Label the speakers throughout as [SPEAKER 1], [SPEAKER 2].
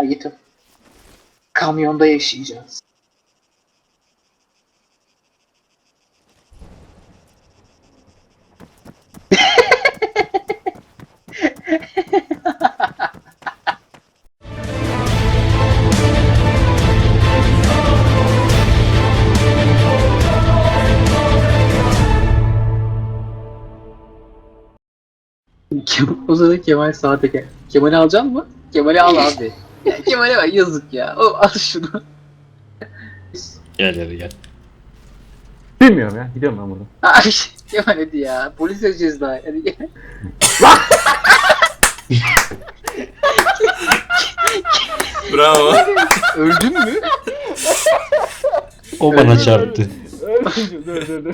[SPEAKER 1] Ayıtım. Kamyonda yaşayacağız. O sırada Kemal sağ teker. Kemal'i alacaksın mı? Kemal'i al abi. Ya Kemal'e bak yazık ya. O al şunu.
[SPEAKER 2] Gel hadi gel.
[SPEAKER 3] Bilmiyorum ya. Gidiyorum ben buradan.
[SPEAKER 1] Ay Kemal hadi ya. Polis edeceğiz daha. Hadi gel.
[SPEAKER 4] Bravo.
[SPEAKER 1] Öldün mü?
[SPEAKER 2] O bana çarptı.
[SPEAKER 3] Dur.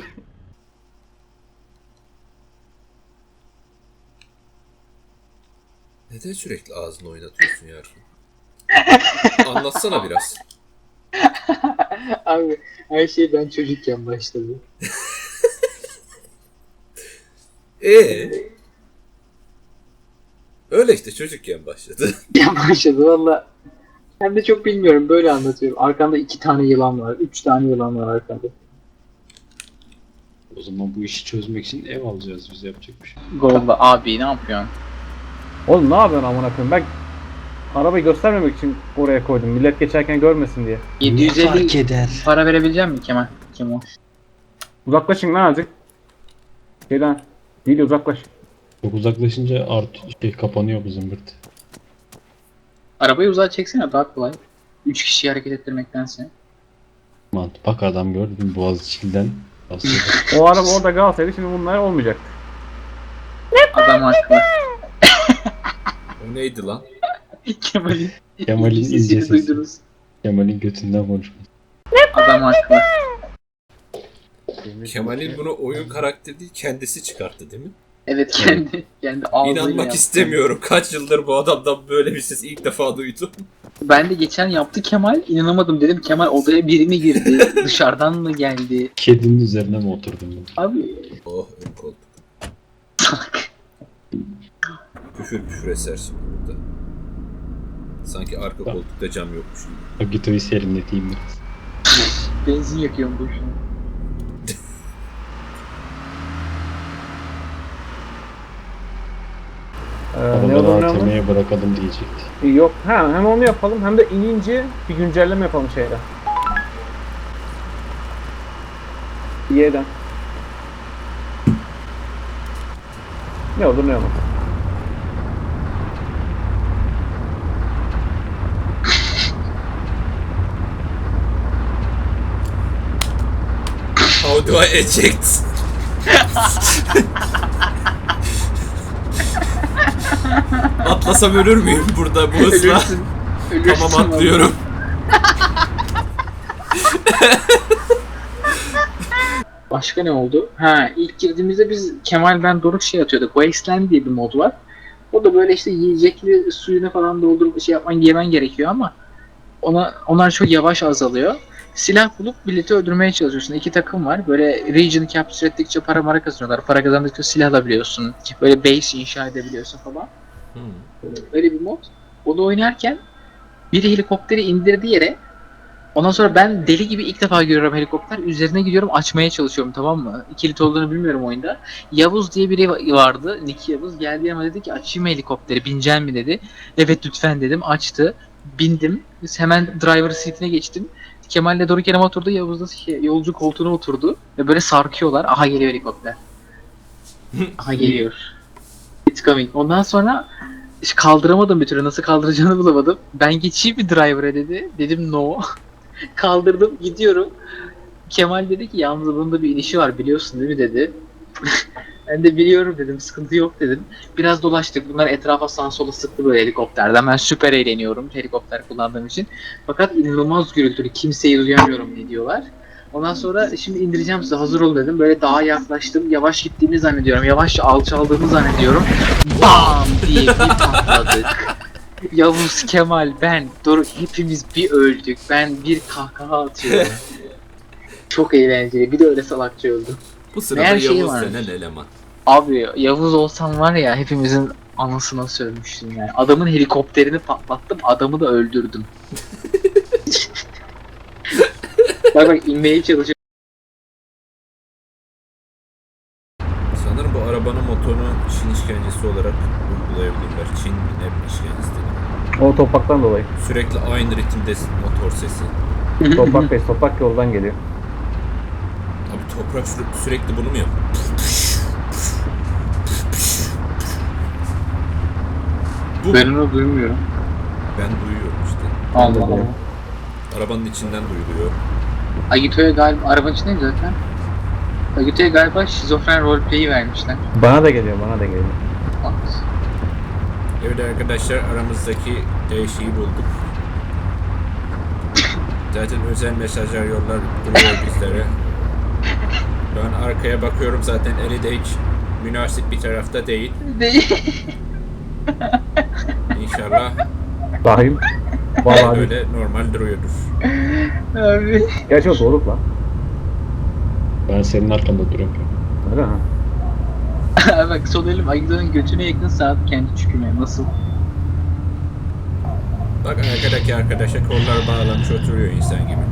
[SPEAKER 4] Neden sürekli ağzını oynatıyorsun Yarın? Anlatsana biraz.
[SPEAKER 1] Abi her şey ben çocukken başladı.
[SPEAKER 4] Öyle işte çocukken başladı.
[SPEAKER 1] Ya başladı valla. Hem de çok bilmiyorum böyle anlatıyorum. Arkanda 2 tane yılan var. 3 tane yılan var arkanda.
[SPEAKER 2] O zaman bu işi çözmek için ev alacağız biz, yapacak bir şey.
[SPEAKER 1] Golda abi ne yapıyorsun?
[SPEAKER 3] Oğlum ne yapıyorsun amına koyayım? Ben arabayı göstermemek için oraya koydum. Millet geçerken görmesin diye.
[SPEAKER 1] 750
[SPEAKER 2] eder?
[SPEAKER 1] para verebilecek misin Kemal? Kemal.
[SPEAKER 3] Uzaklaşın lan azıcık. Şeyden. Değil uzaklaş.
[SPEAKER 2] Çok uzaklaşınca kapanıyor bu zımbırt.
[SPEAKER 1] Arabayı uzağa çeksene daha kolay. 3 kişiyi hareket ettirmektense.
[SPEAKER 2] Bak adam gördün Boğaziçi'nden basıyor.
[SPEAKER 3] O araba orada kalsaydı şimdi bunlar olmayacaktı.
[SPEAKER 1] Adam haklı.
[SPEAKER 4] O neydi lan?
[SPEAKER 1] Kemal'in
[SPEAKER 2] Kemal'in
[SPEAKER 1] sesini
[SPEAKER 2] ince sesi.
[SPEAKER 1] duydunuz.
[SPEAKER 2] Kemal'in götünden konuşması.
[SPEAKER 1] Adam haklı.
[SPEAKER 4] Kemal'in bunu oyun karakteri değil kendisi çıkarttı değil mi?
[SPEAKER 1] Evet kendi ağzıyla
[SPEAKER 4] İnanmak
[SPEAKER 1] yaptı.
[SPEAKER 4] istemiyorum. Kaç yıldır bu adamdan böyle bir ses ilk defa duydum.
[SPEAKER 1] Ben de geçen yaptı Kemal. İnanamadım dedim Kemal odaya biri mi girdi? Dışarıdan mı geldi?
[SPEAKER 2] Kedinin üzerine mi oturdun ben?
[SPEAKER 1] Abi
[SPEAKER 4] Oh ön koltuk. Küfür eser şimdi burada. Sanki arka koltukta cam yokmuş gibi.
[SPEAKER 2] O gitoyu serinleteyim biraz.
[SPEAKER 1] benzin yakıyorum boşuna.
[SPEAKER 3] Ne
[SPEAKER 2] Araları
[SPEAKER 3] olur ne olmaz.
[SPEAKER 2] ATM'ye bırakalım diyecekti.
[SPEAKER 3] Yok. Hem onu yapalım hem de inince bir güncelleme yapalım şeyden. Y'den. Ne olur ne olmaz.
[SPEAKER 4] How do I eject? Atlasam ölür müyüm burada bu hızla?
[SPEAKER 1] Ölürsün
[SPEAKER 4] Tamam atlıyorum.
[SPEAKER 1] Başka ne oldu? Ha ilk girdiğimizde biz Kemal ben Doruk şey atıyorduk. Wasteland diye bir mod var. O da böyle işte yiyecekli suyunu falan doldurup şey yapman yemen gerekiyor ama onlar çok yavaş azalıyor. Silah bulup milleti öldürmeye çalışıyorsun. 2 takım var. Böyle region'ı capture ettikçe para kazanıyorlar. Para kazandıkça silah alabiliyorsun. Böyle base inşa edebiliyorsun falan. Öyle bir mod. Onu oynarken biri helikopteri indirdi yere. Ondan sonra ben deli gibi ilk defa görüyorum helikopter. Üzerine gidiyorum açmaya çalışıyorum tamam mı? Kilit olduğunu bilmiyorum oyunda. Yavuz diye biri vardı. Nick Yavuz geldi yanıma dedi ki açayım helikopteri bineceksin mi dedi. Evet lütfen dedim açtı. Bindim. Hemen driver seat'ine geçtim. Kemal'le Doruk yanıma oturdu. Yavuz da yolcu koltuğuna oturdu. Ve böyle sarkıyorlar. Aha geliyor helikopter. Aha geliyor. It's coming. Ondan sonra hiç kaldıramadım bir türlü. Nasıl kaldıracağını bulamadım. Ben geçeyim bir driver'a dedi. Dedim no. Kaldırdım gidiyorum. Kemal dedi ki yalnız bunda bir inişi var biliyorsun değil mi dedi. Ben de biliyorum dedim sıkıntı yok dedim. Biraz dolaştık bunlar etrafa sağa sola sıktı böyle helikopterden. Ben süper eğleniyorum helikopter kullandığım için. Fakat inanılmaz gürültülü kimseyi duyamıyorum ne diyorlar. Ondan sonra şimdi indireceğim size hazır olun dedim. Böyle daha yaklaştım yavaş gittiğimi zannediyorum. Yavaşça alçaldığımı zannediyorum. BAM diye bir patladık. Yavuz, Kemal, ben, Doruk hepimiz bir öldük. Ben bir kahkaha atıyorum. Çok eğlenceli. Bir de öyle salakça öldüm.
[SPEAKER 4] Bu sırada
[SPEAKER 1] Her şey
[SPEAKER 4] Yavuz
[SPEAKER 1] varmış.
[SPEAKER 4] denen eleman.
[SPEAKER 1] Abi Yavuz olsam var ya hepimizin Anasına sövmüştüm yani. Adamın helikopterini patlattım, adamı da öldürdüm. Bak inmeye çalışıyor.
[SPEAKER 4] Sanırım bu arabanın motorunu Çin işkencesi olarak uygulayabilirler. Çin ne işkencesi dedi.
[SPEAKER 3] O topraktan dolayı.
[SPEAKER 4] Sürekli aynı ritimde motor sesi.
[SPEAKER 3] Toprak toprak yoldan geliyor.
[SPEAKER 4] Abi toprak sürekli bunu mu yapıyor? Bu
[SPEAKER 1] Ben onu duymuyorum.
[SPEAKER 4] ben duyuyorum işte.
[SPEAKER 1] Allah Allah.
[SPEAKER 4] Arabanın içinden duyuluyor.
[SPEAKER 1] Agito'ya galiba, arabanın içindeyim zaten. Agito'ya galiba şizofren roleplay'i vermişler.
[SPEAKER 3] Bana da geliyor, bana da geliyor.
[SPEAKER 1] Bak.
[SPEAKER 4] Evet arkadaşlar aramızdaki değişiği bulduk. Zaten özel mesajlar yollar duruyor bizlere. Ben arkaya bakıyorum zaten eli de hiç münasip bir tarafta değil.
[SPEAKER 1] Değil.
[SPEAKER 4] İnşallah
[SPEAKER 3] Rahim. Vallahi
[SPEAKER 4] böyle normal duruyordur.
[SPEAKER 1] Abi.
[SPEAKER 3] gerçi o doğru lan.
[SPEAKER 2] Ben senin arkanda duruyorum.
[SPEAKER 3] Öyle mi?
[SPEAKER 1] Bak sol elim Agito'nun götüne yakın saat kendi çüküme. Nasıl?
[SPEAKER 4] Bak arkadaki arkadaşa kollar bağlamış oturuyor insan gibi.